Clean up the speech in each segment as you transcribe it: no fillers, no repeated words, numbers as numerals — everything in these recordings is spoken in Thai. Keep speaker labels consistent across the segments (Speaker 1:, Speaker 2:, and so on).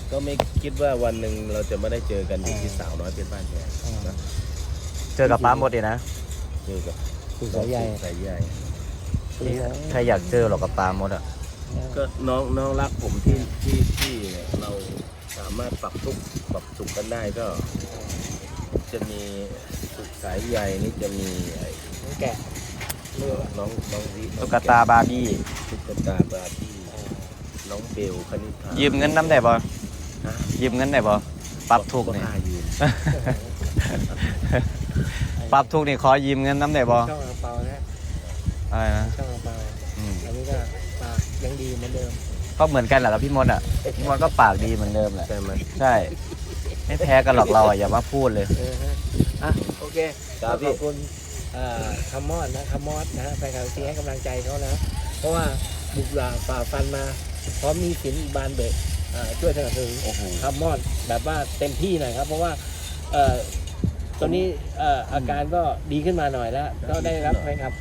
Speaker 1: ก็ไม่คิดว่าวันหนึ่งเราจะไม่ได้เจอกันอยู่ที่สาวน้อยเพชรบ้านแพงนะ
Speaker 2: เจอกับป้าหมดเลยนะ
Speaker 1: เจอกับ
Speaker 3: คุณสายใหญ่
Speaker 1: สายใหญ่
Speaker 2: ใครอยากเจอหรอกกับป้าหมดอ่ะ
Speaker 1: ก็น้องรักผมที่เนี่ยเราสามารถปรับทุกข์ปรับสุขกันได้ก็ จะมีสุขสายใหญ่นี่จะมีไอ้
Speaker 3: แกะเรือ
Speaker 1: น้องวิ
Speaker 2: ตุ๊กตาบาร์บี้
Speaker 1: ตุ๊กตาบาร์บี้น้องเบลคณิธา
Speaker 2: ยืมเงินน้ำได้บ่
Speaker 1: ฮะ
Speaker 2: ยืมเงินได้บ่ปรับทุกข์นี่
Speaker 1: ก็ค่ายืม
Speaker 2: ปรับทุกข์นี่ขอยืมเงินน้ำได้บ่
Speaker 3: ช่องอ่างเปานะ
Speaker 2: อะไรนะ
Speaker 3: ช่องอ่างเปา
Speaker 2: อืม
Speaker 3: อันนี้ก็ปากยังดีเหมือนเดิม
Speaker 2: ก็เหมือนกันแหละกับพี่มดอ่ะพี่มดก็ปากดีเหมือนเดิมแหละ
Speaker 1: ใช่ไหม
Speaker 2: ใช่ไม่แพ้กันหรอกเราอ่ะอย่ามาพูดเลย
Speaker 3: ฮะอ่ะโอเค
Speaker 1: ครับ
Speaker 3: ข
Speaker 1: พี่
Speaker 3: อบคุณคำมอดนะคำมอดนะแฟนคลับที่ให้กำลังใจเขานะ เพราะว่าบุกฝ่าฟันมาพร้อมมีสินบานเบกช่วยสนับสนุน
Speaker 1: โอ้โห
Speaker 3: คำมอดแบบว่าเต็มที่หน่อยครับ เพราะว่าตอนนี้อาการก็ดีขึ้นมาหน่อยแล้ว ก็ได้รับไหมครับ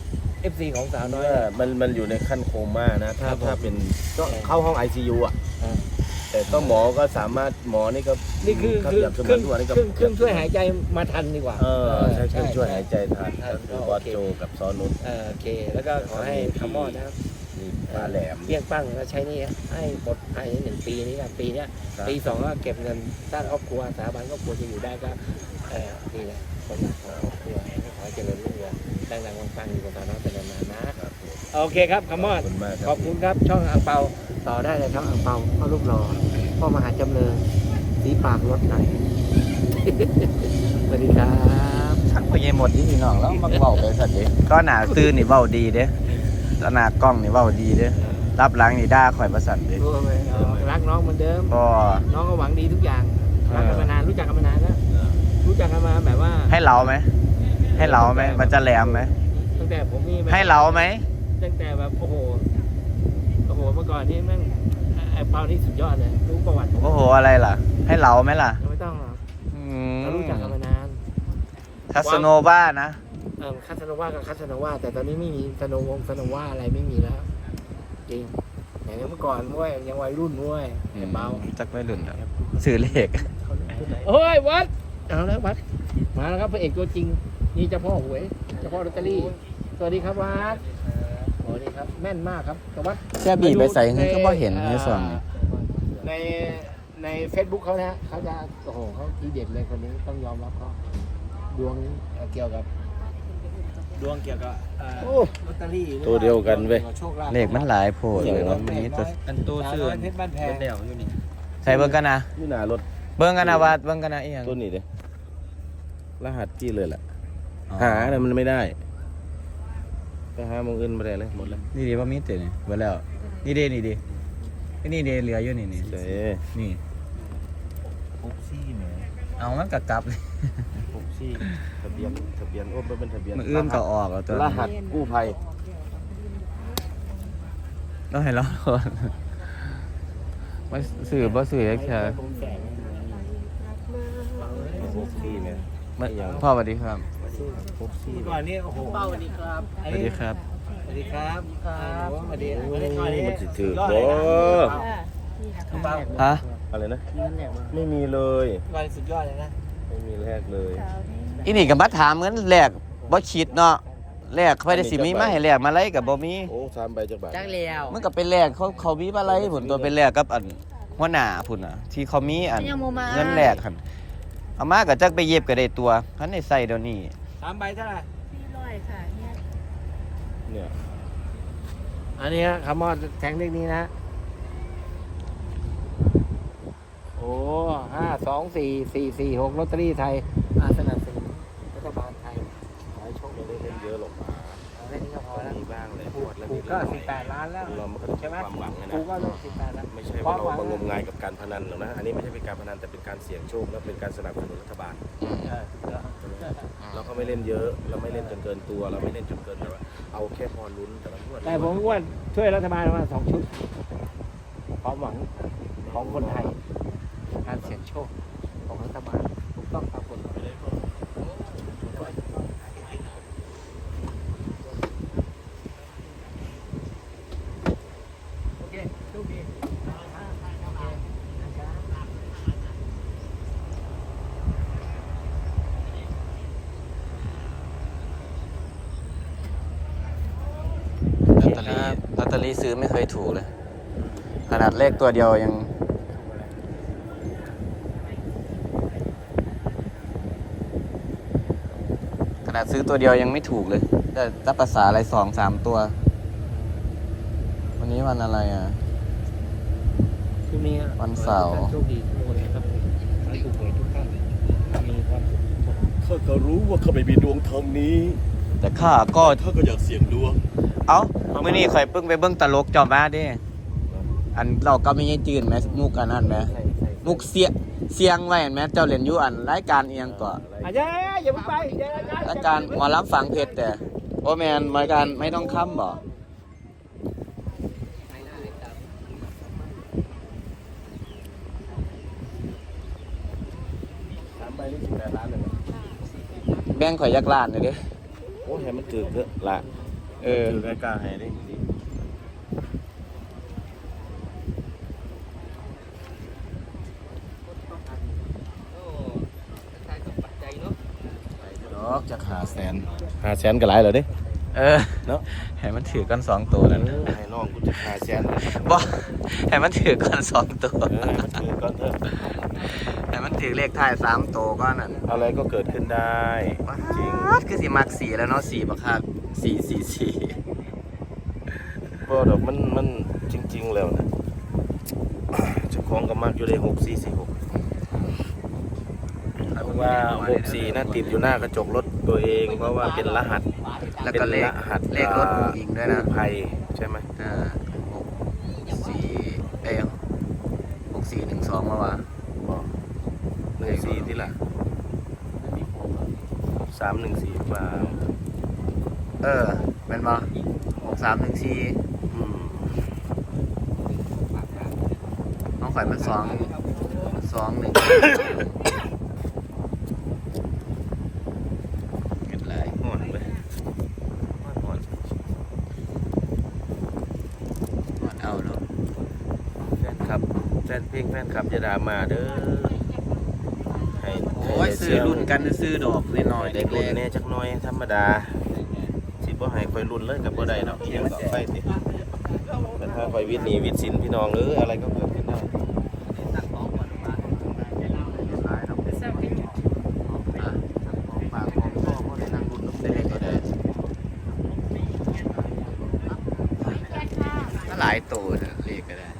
Speaker 3: FC ของสาวน้อย
Speaker 1: มันอยู่ในขั้นโคม่านะถ้า
Speaker 3: ครับผม
Speaker 1: ถ้าเป็นก็เข้าห้อง ICU อ่ะ
Speaker 3: อ่า
Speaker 1: แต่ก็หมอก็สามารถหมอนี่ก็
Speaker 3: นี่คือ
Speaker 1: ถ้า
Speaker 3: คือ
Speaker 1: เปรียบเส
Speaker 3: เค
Speaker 1: มื
Speaker 3: รื่
Speaker 1: อนทุกวันนี้ก็
Speaker 3: องช่วยหายใจมาทันดีกว่า
Speaker 1: ใช้เครื่องช่วยหายใจทัน
Speaker 3: ใช่
Speaker 1: ก็คือบอสโจกับซอนุช
Speaker 3: โอเค แล้วก็ขอให้คำมอดนะครับ
Speaker 1: มีปลาแหลม
Speaker 3: เรียกปั้งแล้วใช้หนี่ให้หมดภายใน1 ปีนี้นะปีเนี้ย
Speaker 1: ครับ
Speaker 3: ปี 2ก็เก็บเงินสร้างครอบครัวสถาบันครอบครัวจะอยู่ได้ก็นี่แหละคนรักของครอบครัวขอให้เจริญรุ่งเรืองดังๆปังๆอยู่กับสาวน้อยเป็นนานๆนะครับ
Speaker 1: ผม
Speaker 3: โอเคครับคำมอด
Speaker 1: ขอบคุณมาก
Speaker 3: ขอบคุณครับช่องอ่างเปาต่อได้เลยช่องอ่างเปาพ่อรูปหล่อพ่อมหาจำเริญสีปากรถหน่อย สวัสดีครับ
Speaker 2: ชักไปยังหมดที่พี่น้องแล้วมาเว้าไปสัตว์ดิก็หนาซื่อนี่เว้าดีเด้แล้วหน้ากล้องนี่เว้าดีเด้รับหลังนี่ด่าข่อยประสันเด้
Speaker 3: รู้ไหมรักน้องเหมือนเดิม
Speaker 2: ก็
Speaker 3: น้องก็หวังดีทุกอย่างรักกันมานานรู้จักกันมานานแล้วรู้จักกันมาแบบว่า
Speaker 2: ให้เราไหมให้เราไหมมันจะแหลมไหม
Speaker 3: ตั้งแต่ผมมีแบบ
Speaker 2: ให้เราไหม
Speaker 3: ตั้งแต่แบบโอ้โหเมื่อก่อนนี่แม่งไอ้เปานี่สุดยอดเลยรู้ประวัติผม
Speaker 2: โอ้โหอะไรล่ะ ให้เราไหมล่ะ
Speaker 3: ยังไม่ต้องหรอก
Speaker 2: อืม
Speaker 3: เรารู้จักกันมานาน
Speaker 2: ทัสโนวานะ
Speaker 3: คาสโนวากับคาสโนวาแต่ตอนนี้ไม่มีสโนวงสโนวาอะไรไม่มีแล้วจริงอย่างเมื่อก่อนเว้ยยังวัยรุ่นเว้ยไอ้เปา
Speaker 2: จักไม่รุ่นแล้วสื่อเลข
Speaker 3: เฮ้ยวัดเอาแล้ววัดมาแล้วครับพระเอกตัวจริงนี่เจ้าพ่อหวยเจ้าพ่อลอตเตอรี่สวัสดีครับวัดสวัสดีครับแม่นมากครับแต่วัด
Speaker 2: แค่บีบไปใส่เงินก็บ่เห็นในส่วนนี้
Speaker 3: ใน Facebook เขานะเขาจะโอ้โหเขาทีเด็ดเลยคนนี้ต้องยอมรับเขาดวงเกี่ยวกับลอตเตอรี่
Speaker 1: ตัวเดียวกันเว้ย
Speaker 3: โชคลาภ
Speaker 2: เลขมันหลายโพดเลยว่ามันมีตัว
Speaker 4: อันตัวเสื่อ
Speaker 3: เพชรบ้านแพง
Speaker 4: เดี่ยวอยู่นี่
Speaker 2: ใส่เบิ่งกันนะ
Speaker 1: นี่หนารถ
Speaker 2: เบิ่งกันนะว่าเบิ่งกันนะอีหยัง
Speaker 1: ตัวนี้เลยรหัสที่เลยแหละหาเนี่ยมันไม่ได้ไปหามองอื่นไม่ได้เลยหมดแล้ว
Speaker 2: นี่ดีว่ามีเตนี่เบิ่แล้วนี่ดีนี่ดีนี่ดีเหลืออยู่นี่นี่
Speaker 1: เจ๊
Speaker 2: นี่
Speaker 4: ปุ๊บซี่แหม
Speaker 2: เอามันก็กลับเลย
Speaker 1: ปุ๊บซี่ทะเบียนโอ้ไม่เป็นทะเบียน
Speaker 2: มันอื่นก็ออกแล้วตัว
Speaker 1: รหัสกู้ภัย
Speaker 2: ต้องให้เราก่อนมันสื่อบ่สื่อแค่
Speaker 1: ปุ๊บซี่เนี่ย
Speaker 2: มันพ่อสวัสดีครับ
Speaker 1: ปุ๊บซี่
Speaker 3: ก่อนนี้โอ้โหเป้าสวัสดีครับ
Speaker 2: สวัสดีครับ
Speaker 3: สวัสดีครับครับสวัสดี
Speaker 1: โอ้
Speaker 3: ไม่ได้ก่อนนี้
Speaker 1: มันสิถือ
Speaker 3: สุดย
Speaker 1: โอ้
Speaker 3: ดเลยนะเป้า
Speaker 2: ฮะ
Speaker 1: อะไรนะ
Speaker 3: มีเงินแหลกมา
Speaker 1: ไม่มีเลย
Speaker 3: ก่อนสุดยอดเลยนะ
Speaker 1: ไม่มีแรกเลย
Speaker 2: อีนี่ก็มาถามเงินแลกบ่คิดเนาะแลกไปได้สิมีมาให้แลกมาไลก็บ่มี
Speaker 1: โอ้3 ใบจักบาท
Speaker 3: จังเลียว
Speaker 2: มันก็เป็นแลกเขามีมาไลผลตัวเป็นแลกกับอันหัวหน้าพุ่นน่ะ ที่เขามีอันเงินแลกหั่นเอามาก็จักไปเย็บก็ได้ตัวคันได้ใส่เดี๋ยวนี้
Speaker 3: 3 ใบเท่าไหร่
Speaker 5: 400ค่ะเนี่ย
Speaker 1: เนี่ย
Speaker 3: อันนี้ฮะคำมอดแทงเลขนี้นะ โอ้524 446ลอตเตอรี่ไทยสนับสนุนรัฐบาลไทยขอให้โชคดี
Speaker 1: ไม่ได้เล่นเยอะหรอกมา
Speaker 3: เล่นนี้ก็พอแล้ว
Speaker 1: มีบ้างเลย
Speaker 3: ถูก
Speaker 1: แล้ว
Speaker 3: ถู
Speaker 1: มี
Speaker 3: กก็
Speaker 1: เรื่อง
Speaker 3: 18 ล้านแล้ว
Speaker 1: เราไม่ค่อย
Speaker 3: ใช่ไหม
Speaker 1: ความหวังนะ
Speaker 3: ถูกก็ต้อง18ล้าน
Speaker 1: ไม่ใช่ว่าเรามางมงายกับการพนันหรอกนะ อันนี้ไม่ใช่เป็นการพนันแต่เป็นการเสี่ยงโชคและเป็นการสนับสนุนรัฐบาล เราก็ไม่เล่นเยอะ เราไม่เล่นจนเกินตัว เราไม่เล่นจนเกินแต่ว่าเอาแค่พอลุ้นแต่ละงวด
Speaker 3: แต่ผมว่าช่วยรัฐบาลมา2 ชุดความหวังของคนไทย การเสี่ยงโชคของรัฐบาลถูกต้องตามกฎหมายโอเคโชคดี
Speaker 2: ตเตอรี่ซื้อไม่เคยถูกเลย ขนาดเลขตัวเดียวยังขนาดซื้อตัวเดียวยังไม่ถูกเลยจะภาษาอะไร2-3 ตัว วันนี้วันอะไรอ่ะ
Speaker 1: คือมี
Speaker 2: วันเสาร์
Speaker 1: โชคดีทุกคนนะครับให้ถูกหวยทุกท่านมีความสุขข้าก็รู้ว่าข้าไม่มีดวงทางนี้
Speaker 2: แต่ข้าก็
Speaker 1: ข้าก็อยากเสี่ยงดวง
Speaker 2: เอ้ามื่อนี้ข่อยเพิ่งไปเบิ่งตลกจอมมาเด้อันเราก็ไม่ให้จืนไหมมุกอันนั้นไหมมุกเสียงไว้เห็นไหมเจ้าเล่นอยู่อันรายการเอียงก่อน
Speaker 3: อย่าไปอย่าร
Speaker 2: ายการหมอลำฝังเพชรแต่โอ้แมนรายการไม่ต้องค้ำบ่
Speaker 1: ถามไปนี่18 ล้านเลย
Speaker 2: แบ่งข่อยยักล้านเลยเด้
Speaker 1: โอ้ให้มันถือเถอะละถือใกล้ๆให้ได้ดีเนาะจะ500,000ก็หลายเลยดิ เนาะ
Speaker 2: ให้มันถือกัน2 ตัวนั่น
Speaker 1: ให้น้องกูจะ500,000เลย
Speaker 2: บ่ให้มันถือกัน2 ตัว
Speaker 1: ให้มันถือก่อนเถอะ
Speaker 2: ให้มันถือเลขท้าย3 ตัวก็นั่น
Speaker 1: อะไรก็เกิดขึ้นได้จริง
Speaker 2: คือสิมัก4แล้วเนาะ4บักคัก444
Speaker 1: บ่ดอกมันจริงๆแล้วนะเจ้าของก็มักอยู่ได้6446เพราะว่า64น่ะติดอยู่หน้ากระจกรถตัวเองเพราะว่าเป็นรหัส
Speaker 2: แล้วก็เลข
Speaker 1: ป็นรหัส
Speaker 2: เลขรถผู้หญิงด้วยนะ
Speaker 1: กู้ภัยใช่ไหม
Speaker 2: 6412มาวะ
Speaker 1: บอก14ที่ละ314ว่า
Speaker 2: แม่นบ่6314
Speaker 1: อืม
Speaker 2: น้องข่อยมัน2 1เกิดไร
Speaker 1: ห่อนไปห่อน
Speaker 2: เอาเนาะ
Speaker 1: แฟนคลับแฟนเพลงแฟนคลับจะด่ามาเด้อให้
Speaker 2: โอ้ยซื้อรุ่นกันซื้อดอกน้อยๆ
Speaker 1: เด็
Speaker 2: เด็
Speaker 1: ก
Speaker 2: ก
Speaker 1: รุ่นแน่จักหน้อยธรรมดาสิบ่ให้ค่อยรุ่นเลยกับบ่ได้เนาะเอียงต่อไปติแต่ถ้าค่อยวิทย์หนีวิทย์สินพี่น้องอะไรก็เกิดขึ้นได้
Speaker 2: หลายตัวนะเรียกก็ได้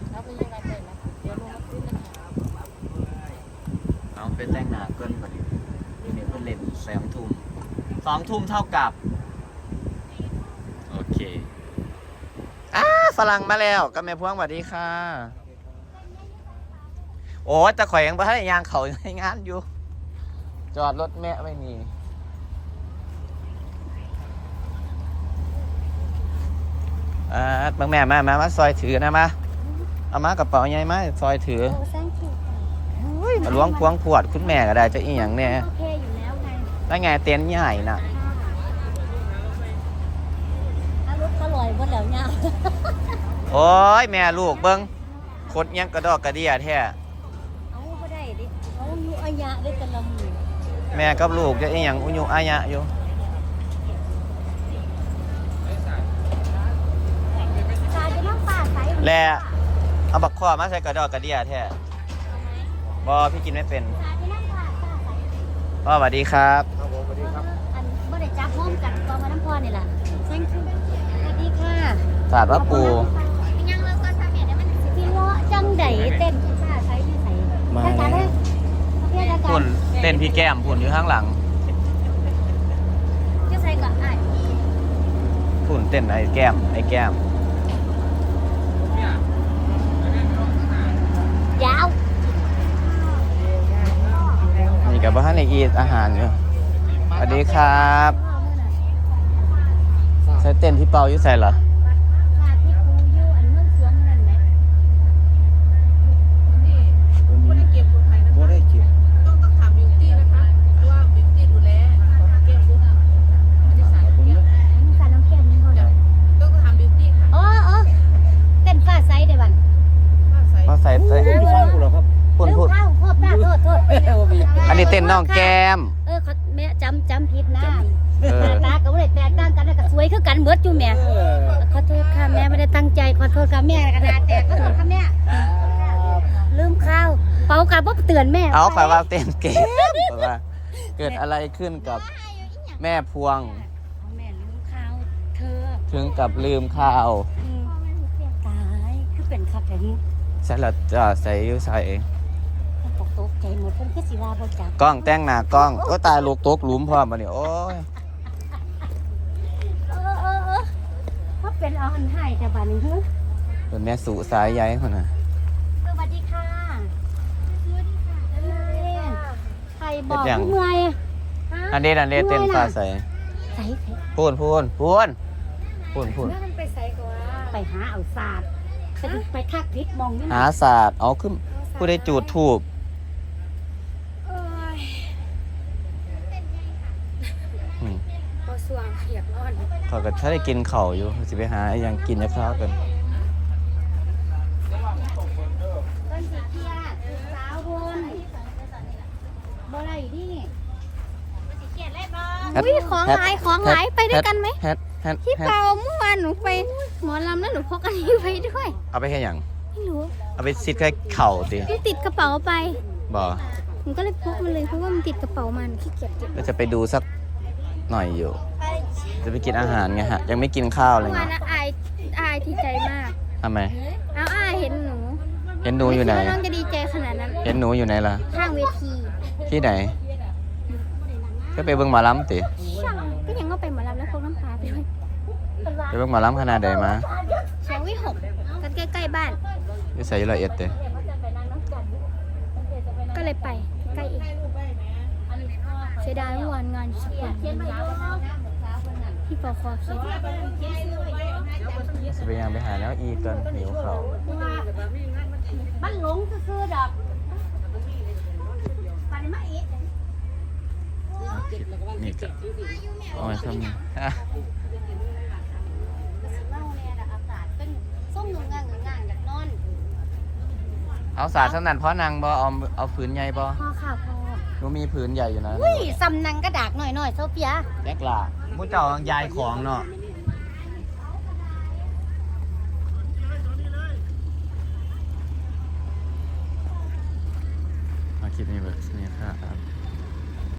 Speaker 2: เอาไปแต่งหน้าเกินพอดีนี่เพิ่นเล่น2 ทุ่ม2 ทุ่มเท่ากับโอเคฝรั่งมาแล้วกับแม่พวงสวัสดีค่ะ โอ้แต่ข่อยยังบ่ทันได้ย่างเขาในงานอยู่ จอดรถแม่ไม่มีบางแม่มาซอยถือนะมาเอามากระเป๋าใหญ่มาซอยถือมาล้วงพวงขวดคุณแม่ก็ได้จะอีหยังเนี่ย
Speaker 5: โอเคอยู่แล้วไง
Speaker 2: ได้ไงเต็นท์ใหญ่น่ะ
Speaker 5: ถ้ารถเขาลอยหมดแล้วเนี่ย
Speaker 2: โอ้ยแม่ลูกเบิ้งคดยังกระดอกกระเดียแท้
Speaker 5: เอาไม่ได้ดิเขาอยู่อายะได้แต่ละมือ
Speaker 2: แม่กับลูกจะอีหยังอุยุอายะอยู่
Speaker 5: ตาจะน้ำป่าใส
Speaker 2: แลเอาบักข้อมาใส่กระดอกกระเดียแท้บอพี่กินไม่เป็น
Speaker 5: ตาจะน้ำป่าใส
Speaker 2: พ่อสวัสดีครับ
Speaker 3: ครับผมสวัสดีครับ
Speaker 5: อันไม่ได้จับห้อมกันกองมาน้ำพรนี่แหละแซงคิวสวัสดีค่ะ
Speaker 2: ศาสตร์ว่าปู
Speaker 5: ยังเราก็ทำเนี่ยมันที่เลาะจังไดเต้นป่าใสที่ใสอาจารย์เลยเพื่อนอาจาร
Speaker 2: พุ่น
Speaker 5: ย์
Speaker 2: เต้นพี่แก้มพุ่นอยู่ข้างหลัง
Speaker 5: จะใส่ก่อนอ่ะ
Speaker 2: พุ่นเต้นไอ้แก้ม
Speaker 5: ยาว
Speaker 2: นี่กับบ้านในอีทอาหารอยู่สวัสดีครับใช้เต้นพี่เปาอยู่ใส่เหรอ
Speaker 5: มาที่ครูอยู่อันเมืองสวงนั่นแหละ
Speaker 3: บ่ได้เก็บ
Speaker 6: ต้องถามบิวตี้นะคะว่าบิวตี้ดูแลของเก็บบุ๊กอันนี้สารเก็บ
Speaker 5: สารน้ำแข็งนี่ก่อน
Speaker 6: ต้องถามบิวตี้ค่ะ
Speaker 5: อ๋อเต้นฟ้าใสเดี๋ยวบัน
Speaker 6: ว่าใส่
Speaker 2: มาใส่เต้น
Speaker 3: อยู่ฟังกูเหรอครับ
Speaker 2: พุ่น
Speaker 5: เร็วเข้าโทษป้าโทษ
Speaker 2: อันนี้เต้นน้องแก้ม
Speaker 5: เขาแม่จำผิดนะ
Speaker 2: เออ
Speaker 5: ตากับเลยแตกต่างกันนะก็สวยคือกันเบิดอยู่แม่ขอโทษค่ะแม่ไม่ได้ตั้งใจขอโทษค่ะแม่กระดาษแตกขอโทษค่ะแม่ลืมข้าวเป่ากระบอกเตือนแม่
Speaker 2: เอาข่อยว่าเต้นเกมข่อยว่าเกิดอะไรขึ้นกับแม่พวง
Speaker 5: แม่ลืมข้าวเธอ
Speaker 2: ถึงกับลืมข้าว
Speaker 5: ตายคือเป็นคักแต่นี้
Speaker 2: ใส่ละจะใส่อยู่ใส่
Speaker 5: ตกใจหมดเพิ่นคือสิว่าบ่จัก
Speaker 2: กล้องแต่งหน้ากล้องโอ้ตายลูกตกหลุมพร้อมมาเนี่ยโอ้ย
Speaker 5: เขาเป็นเอาหันให้แต่บัดนี้ฮึ
Speaker 2: เป็นแม่สู่สายใยคนน่ะ
Speaker 5: สวัสดีค่ะสวัสดีค่ะใครบอก
Speaker 2: เป็นหยัง
Speaker 5: เมื่อย
Speaker 2: อันนี้เต้นฟ้าใส
Speaker 5: ใส่
Speaker 2: พูน
Speaker 5: ไปหาเอาศาสตร์ไปทักพิษมองนี่
Speaker 2: หาศาสตร์เอาขึ้นผู้ได้จูดทูบ
Speaker 5: บ่สว่างเขียบนอน
Speaker 2: เขาก็ถ้าได้กินเข่าวอยู่สิไปหาอหยังกินจะข้าวกัน
Speaker 5: ต้นสีเขียดสาวบนบ่ได้ดิอุ้ยของหายไปด้วยกันไหม
Speaker 2: แฮด
Speaker 5: พี่เปาเมื่อวานหนูไปหมอลำแล้วหนูพกอันนี้ไปด้วย
Speaker 2: เอาไปแค่หยัง
Speaker 5: ไม่รู้
Speaker 2: เอาไปซิดแค่เข่าติ
Speaker 5: มันติดกระเป๋าไป
Speaker 2: บ่
Speaker 5: หนูก็เลยพกมันเลยเพราะว่ามันติดกระเป๋ามันขี้เกียจเก็บ
Speaker 2: ก็จะไปดูสักหน่อยอยู่ จะไปกินอาหารไงฮะ ยังไม่กินข้าวเลย
Speaker 5: เมื่อวา
Speaker 2: ไง
Speaker 5: นนะอายที่ใจมาก
Speaker 2: ทำไม
Speaker 5: เอาอายเห็นหนู
Speaker 2: เห็นหนูอยู่ไหน
Speaker 5: ม่คิดว่าน้องจะดีใจขนาดนั้น
Speaker 2: เห็นหนูอยู่ไหนล่ะ
Speaker 5: ข้างเวที
Speaker 2: ที่ไหนก็ไปเบิ่งหมาล้ำติ
Speaker 5: ช่างก็ยังก็ไปหมอลำแล้วพกน้ำปลาไปด้วย
Speaker 2: ไปเบิ่งหมาล้ำขนาดใดมา
Speaker 5: เชียงวิหกกันใกล้ๆบ้าน
Speaker 2: อยู่ใส่ละเอียดเตะ
Speaker 5: ก็เลยไปใกล้เองเสียดายเมื่อวานงานสกุลที่ปคคิด
Speaker 2: จะไปยังไปหาแล้วอีก่อนหิวเขาว
Speaker 5: บ้านหลงคือดอกปานมาอีก
Speaker 2: นี่ก็เอาไว้ทำนี่
Speaker 5: เมาเนี่ยอากาศเป็นส้มหนุ่งงางอยากนอน
Speaker 2: เอาสาดสนั่นเพราะนางบ่เอาผืนใหญ่บ่
Speaker 5: พ่อค่ะพ่อ
Speaker 2: หนูมีผืนใหญ่อยู่นะ
Speaker 5: อุ้ยซำนังกระดากหน่อยโซเฟีย
Speaker 2: แจ็คล่ะมูเจ้ายายของเนาะมาคลิปนี้แบบนี้ครับ